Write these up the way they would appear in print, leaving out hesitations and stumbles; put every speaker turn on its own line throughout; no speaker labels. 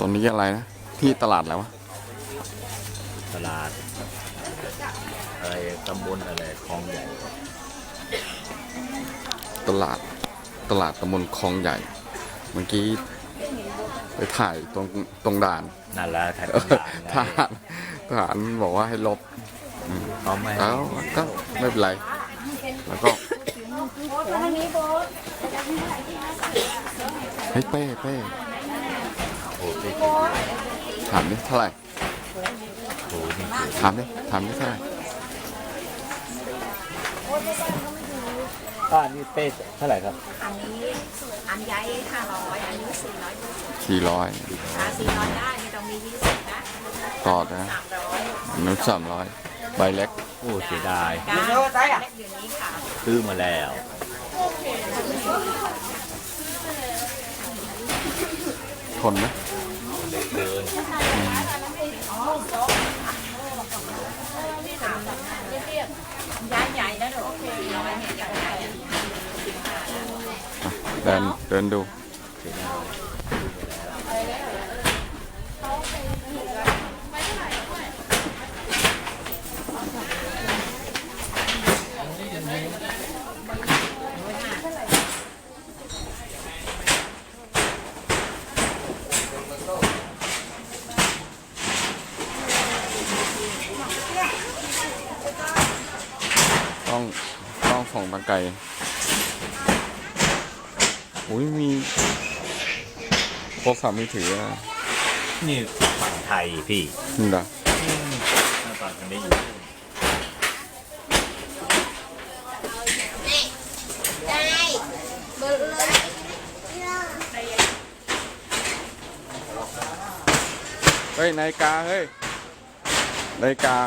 ตอนนี้อะไรนะที่ตลาดอะไรวะ
ตลาดอะไรตำบลอะไรคลองใหญ่
ตลาดตำบลคลองใหญ่เมื่อกี้ไปถ่ายตรงด่าน
นั่นแหละถ่ายตรงด่าน
ทหารบอกว่าให้ลบ
เขาไม่
แล้วก็ไม่เป็นไรแล้วก็เฮ้ยเป้
โอ้ย
ถามดิเท่าไหร่
โอ้ย
ถามดิเท่าไหร่
นี่เป้เท่าไหร่ครับ
อันนี้อันใหญ่500อันนี้400 400ได้ไม่ต้องมี20นะ
ต่อนะนู้น300ใบเล็ก
โอ้เสียดาย
เล็กอยู่นี้ค่ะ
ซื้อมาแล้ว
ทนไหม
เดิน
ใหญ่นะหนู
เดินดูต้องส่องตะไกรอุ้ยมีโทรศัพท์มือถือ
นี่ฝั่งไทยพี่
นี่เหรอ
หน้าตากันได้อยู่
เฮ้ยนาฬิกาเฮ้ยนาฬิกา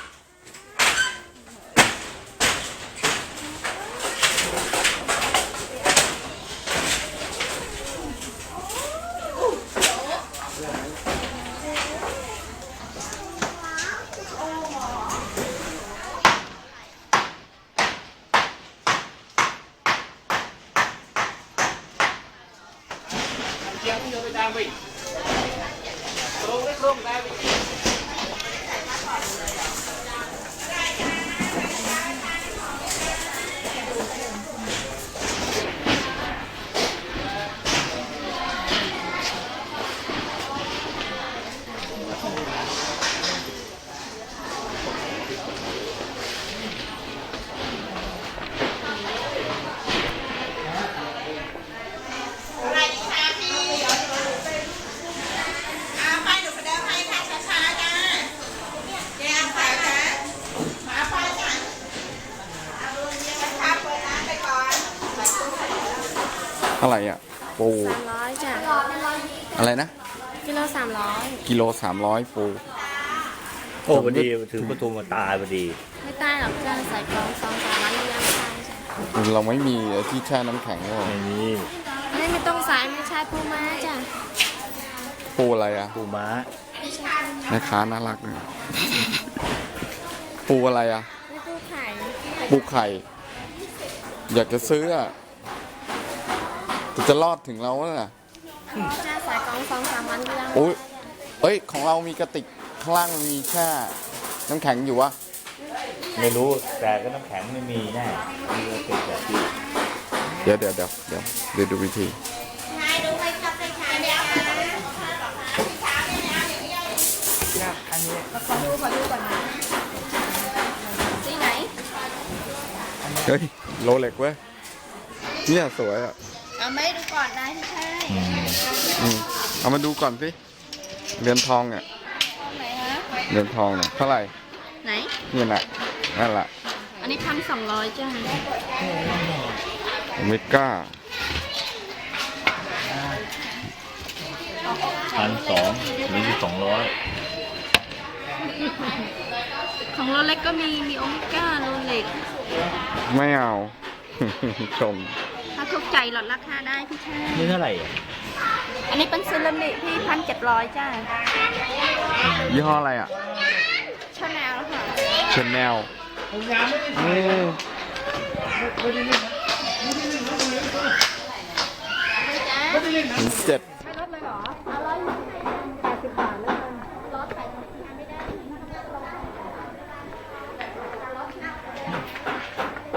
อะไรอ่ะปู
300จ้ะ
อะไรนะ
กิโล300
กิโล300ปู
โอ้พอดีถือประตูมาตายพอดี
ไม่ตายหรอกจ้ะใส่กล่อง2-3วันยังไม่ตายจ้ะ
เราไม่มีที่แช่น้ำแข็งหรอ
ไม่ต้องสายไม่ใช่ปูม้าจ้ะ
ปูอะไรอ่ะ
ปูม้า
แม่ค้าน่ารักเลยปูอะไรอ่ะปูไข่อยากจะซื้ออ่ะจะรอดถึงเราน่ะ
จะใส่กล่อง2-3วันยัง
โอ้ยเอ้ยของเรามีกระติกข้างล่างมันมีแช่น้ำแข็งอยู่วะ
ไม่รู้แต่ก็น้ำแข็งไม่มีแน่มีกระติกแบบที่
เดี๋ยวดูวิธี
ขอดูก่อนนะสีไหน
เฮ้ยโลเล็กเว้ยเนี่ยสวยอ่ะ
เอาไม่ดูก่อนได้ที่ใช่
เอามาดูก่อนสิเรือนทองเนี่ยเรือนทองเนี่ยเท่าไหร่
ไหน
นี่แหละนั่นแหละ
อันนี้1,200จ้ะ
อเมก้า
1,200นี่200
ของโรเล็กก็มีโอเมก้าโรเล็ก
ไม่เอาชม
ถ้าถูกใจลดราคาได้พี่ชาย
นี่เท่าไหร่
อันนี้เป็นเซรามิกพี่1,700จ้า
ยี่ห้ออะไรอ่ะ
ชาแนลค่ะ
ชาแนล7ไม่ลดเลยเหรอ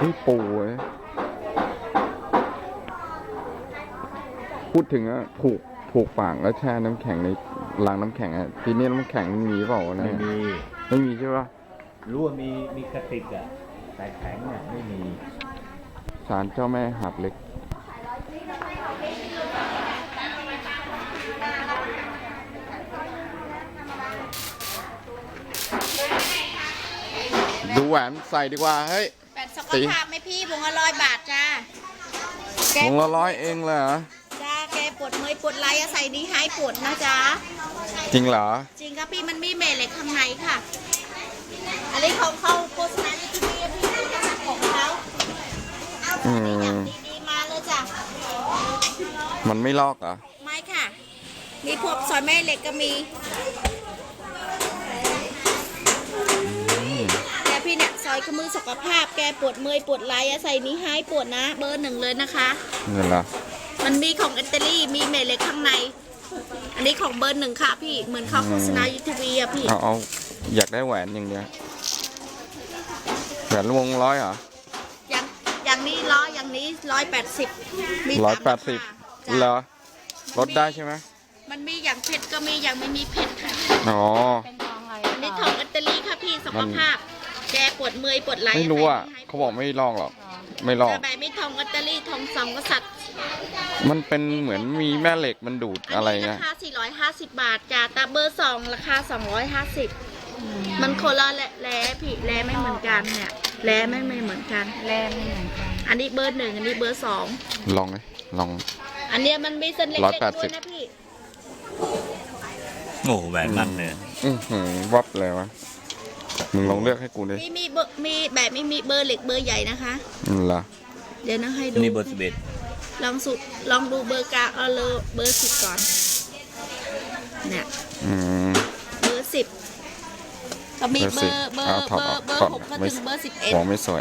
นี่ปูเว้ยพูดถึงอะผูกปากแล้วแช่น้ำแข็งในรางน้ำแข็งอะทีนี้น้ำแข็งมันมีเปล่าวะเนี่ย ไม่มีใช่ปะ
รู้ว่ามีกระติกอ่ะแต่แข็งเนี่ยไม่มี
ศาลเจ้าแม่หาดเล็ก ดูแหวนใส่ดีกว่า เฮ้ย
แปดสุขภาพไหมพี่วงละ100 บาทจ้า
วงละ100เองเลยเหรอ
จ้าแกปวดเมื่อยปวดไหล่อะใส่นี้ให้ปวดนะจ๊ะ
จริงเหรอ
จริงครับพี่มันมีเมล็ดข้างในค่ะ อันนี้ของเขาโฆษณาในทีวีพี่ของเขาเอา
อืม
ดีๆมาเลยจ้ะ
มันไม่ลอกเหรอ
ไม่ค่ะ มีพวกซอยแม่เหล็กก็มีแต่พี่เนี่ยซอยขมือสุขภาพแกปวดเมื่อยปวดไหล่อะใส่นี้ให้ปวดนะเบอร์ 1เลยนะคะ
เงินละ
มันมีของอิตาลีมีเมล็ดข้างใน อันนี้ของเบอร์ 1ค่ะพี่เหมือนเขาโฆษณาในทีวีอะพี่
เอาอยากได้แหวนอย่างเดียวแหวนวง100เหรอ
อย่างนี้อย่างนี้180มี3
180เหรอลดได้ใช่ไหม
มันมีอย่างเผ็ดก็มีอย่างไม่มีเผ็ดค่ะ
อ๋อ
อันนี้ของอิตาลีค่ะพี่สุขภาพแกปวดเมื่อยปวดไหล่
ไม่รู้อ่ะเขาบอกไม่ลอกหรอก ไม่ลอก
แต่ใบไม่ทองอิตาลีทองสองกษัตริย์
มันเป็นเหมือนมีแม่เหล็กมันดูดอะไร
นนี้
เงี้
ราย คา450 บาทจ้าแต่เบอร์ 2ราคา250มันคนละแร่พี่แร่ไม่เหมือนกันเนี่ยแร่ไม่เหมือนกันแร่ไม่เหมือนกันอันนี้เบอร์ 1อันนี้เบอร์ 2
ลองเลยลอง
อันเนี้ยมันมีเส้นเล็กๆด้วยนะพี่
โอ้แหวนมันเนี่ย
วับเลยวะมึงลองเลือกให้กูดิ
มีเบอร์มีแบบไม่มีเบอร์เล็กเบอร์ใหญ่นะคะ
เหรอ
เดี๋ยวนะให้ดู
นี่เบอร์11
ลองดูเบอร์กลางเอาเลยเบอร์ 10ก่อนเนี่ย
อืม
เบอร์ 10ก็มีเบอร์
เอาถอดออก
6ก็ถึงเบอร์
หัวไม่สวย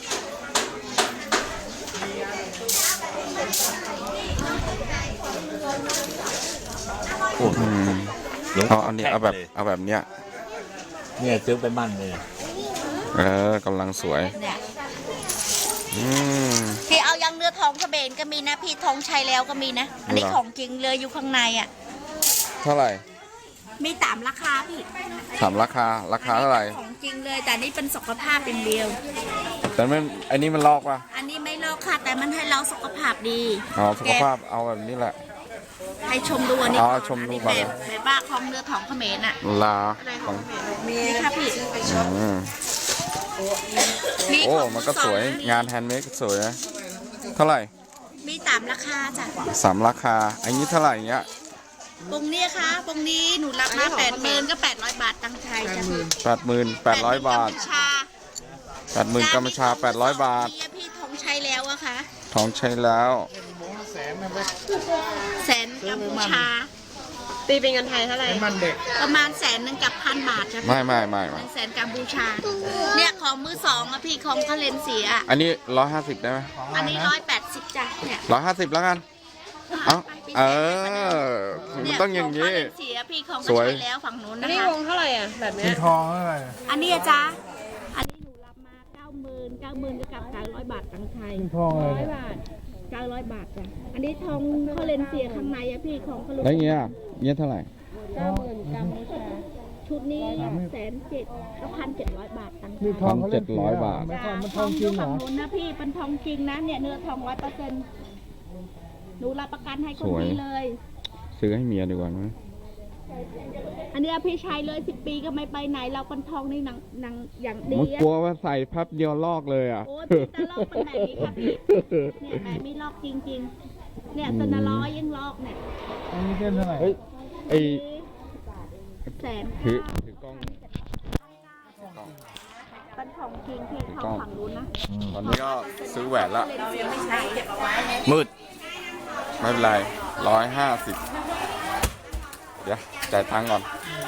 โอ้
เอาอันนี้เอาแบบเนี้ย
เนี่ยซื้อไปมั่นเลย
กำลังสวย
11เนี่ย
อืม
พี่เอายังเนื้อทองกระเบนก็มีนะพี่ทองใช้แล้วก็มีนะ อันนี้
เหรอ
ของจริงเลยอยู่ข้างในอ่ะ
เท่าไหร่
มีตามราคาพี่
ถามราคาเท่าไหร่
ของจริงเลยแต่นี่เป็นสุขภาพเป็นเดียว
แต่มันอันนี้มันลอกป่ะ
อันนี้ไม่ลอกค่ะแต่มันให้เราสุขภาพดี
อ๋อสุขภาพเอาแบบนี้แหละ
ให้ชมดูอันนี้
อ๋อ
ก่อน
ชมดู
อันนี้
ก่อน
แบบบ้าของเนื้อทองเขมรอ่ะ
ลา
อะไรข
ข
อ
อง ง
เขมรมีค่ะพี่
อืม
มี
โอ้
ของ
มันก็สวย
มือ
งานแฮนด์เมดก็สวยนะเท่าไหร่
มีตามราคาจ้ะ
3 ราคา อันนี้เท่าไหร่เงี้ย
ปงนี้ค่ะปงนี้หนูรับมา80,000ก็800 บาทตังค์ไทยจ้ะ
88,800 บาท
80,000กัมพูชา
80,000กัมพูชา800 บาท
นี่พี่ทองใช้แล้วอะค่ะ
ทองใช้แล้ว
แสนกัมพูชา
ตีเป็นเงินไทยเท่าไหร่
ประมาณ100,000กับ1,000 บาทจ้ะ
ไม่
100,000กัมพูชา เนี่ยของมือสองอะพี่ของคาเลนเสีย
อันนี้150ได้ไหม
อันนี้180จ้ะเนี่ย
150แล้วกัน เอามันต้องอย่าง
นี้
นี้
เสียพี่ของ
สวย
ก็ใช้แล้วฝั่งนู้น
อัน
นะ
นี้
คะ
วงเท่าไหร่อ่ะ แบบเนี้ย
อันนี้อะจ๊ะอันนี้หนูรับมา90,000ก็กับ900 บาทตังค์ไทย100 บาท900 บาทจ้ะอันนี้ทองคาเลนเสียข้างในอะพี่ของคาเลน
แล้วเงี้ยเท่าไหร่
90,000กัมพูชา
ชุดนี้107,000ก็1,700 บาทตังค์ไทย
1,700 บาท
จ้ะทองอยู่ฝั่งนู้นนะพี่เป็นทองจริงนะเนี่ยเนื้อทอง100%หนูรับประกันให้คน
สวย
นี้เลย
ซื้อให้เมียดีกว่าไหม
อันเนี้ยพี่ใช้เลย10 ปีก็ไม่ไปไหนเราเป็นทองนี่หนังอย่างดี
มัน
อะ
กลัวว่าใส่พับเดียวลอกเลยอ่ะ
โอ้ยพี่ตะลอกเป็นแบบนี้ค่ะพี่เนี่ยแบบไม่ลอกจริงๆเนี่ยตะนร้อยยังลอกเนี่ย
เฮ้ย ไอ
แสน
ถือ
เก้า
ถือกล้อง
เป็นของจริงพี่ท
กล้
อ
อง ง
ฝั่งนู้นนะ
ตอนนี้ก็ซื้อแหวนละ
เรายังไม่ใช้เก็บไว้
มืด ไม่เป็นไร150 เดี๋ยวจ่ายตังค์ก่อน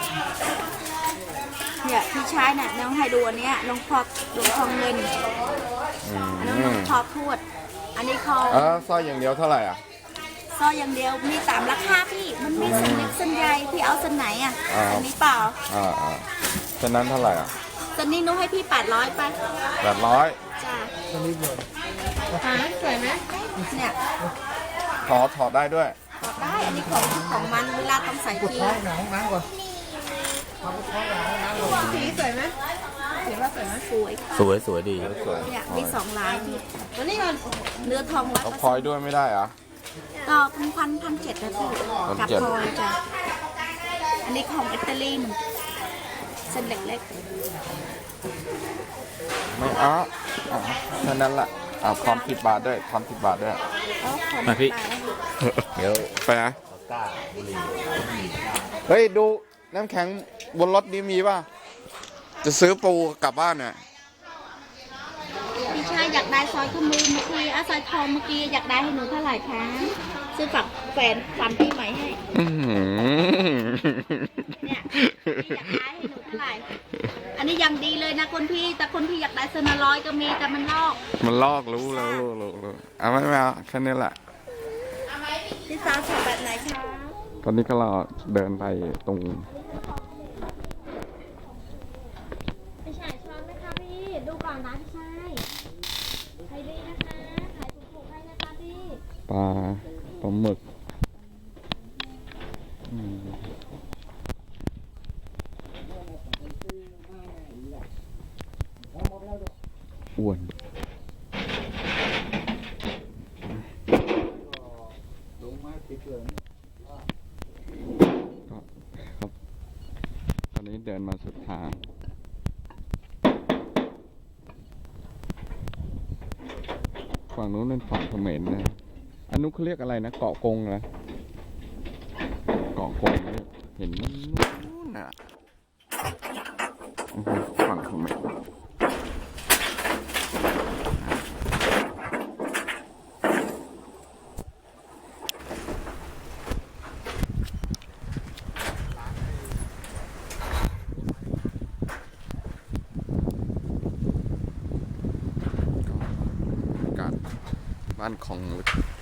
เนี่ยพี่ใช้น่ะน้องให้ดูอันเนี้ยน้องพอกดูทองเงิน
อื
อันนั้นน้อง
ม
พอกทวดอันนี้เขา
สร้อยอย่างเดียวเท่าไหร่อ่ะ
ซอยอย่างเดียวมีตามราคาพี่มันมีเส้นเล็กเส้นใหญ่พี่เอาเส้นไหนอ่ะ
อ่า
อันนี้เปล่า
ฉะนั้นเท่าไหร่อ่ะ
เส้นนี้หนุให้พี่800ไป
800
จ้า
หาสวยไหม
เนี่ย
ถอดได้ด้วย
ถอดได้อันนี้ของมันเวลาต้องใส่ที
สีสวยไหมสีว่าสวยไหม
สวย
สวยดี
เนี่ยมี2 ลายพี่
ตัวนี้ก่อน
เนื้อทอง
เอา
100%
พลอยด้วยไม่ได้เหรอ
ก็1,700นะพี่กับ
1,700
พลอยจ้ะอันนี้ของอิตาลีเหมือนเส้นเล็ก
ไม่เอาแค่นั้นแหละเอาพร้อม10 บาทด้วยพร้อม10 บาทด้วย
ๆแล้วของ
มาพี่
ปลาแล้ว
เดี๋ยว
ไปนะ
เอาก้าบุหรี่
เฮ้ย ดูน้ำแข็งบนรถนี้มีป่ะ จะซื้อปูกลับบ้านเนี่ย
พี่ชายอยากได้ซอยข้อมือเมื่อกี้ซอยทองเมื่อกี้อยากได้ให้หนูเท่าไหร่คะซื้อฝากแฟนฟันพี่ใหม่ให้
อื้อหือ
เนี่ยพี่อยากได้ให้หนูเท่าไหร่ อันนี้ยังดีเลยนะคนพี่ แต่คนพี่อยากได้เซนาร้อยก็มีแต่มันลอก
มันลอกรู้แล้วรู้เอาไม่เอาแค่นี้แหละ
พี่สาวชอบแบบไหนคะ
ตอนนี้ก็เราเดินไปตรง
พี่ชายชอบไหมคะพี่ ดูก่อนนะพี่ชายใครดีนะคะ ขายถูกๆให้นะคะพี่
ปลาหมึกอืมอ้วนครับตอนนี้เดินมาสุดทาง ฝั่งนู้นเป็นฝั่งเขมรนะ อันนู้นเขาเรียกอะไรนะ เกาะกงเหรอเกาะกงเนี่ยเห็นนู้นน่ะฝั่งเขมรอากาศบ้านของลึก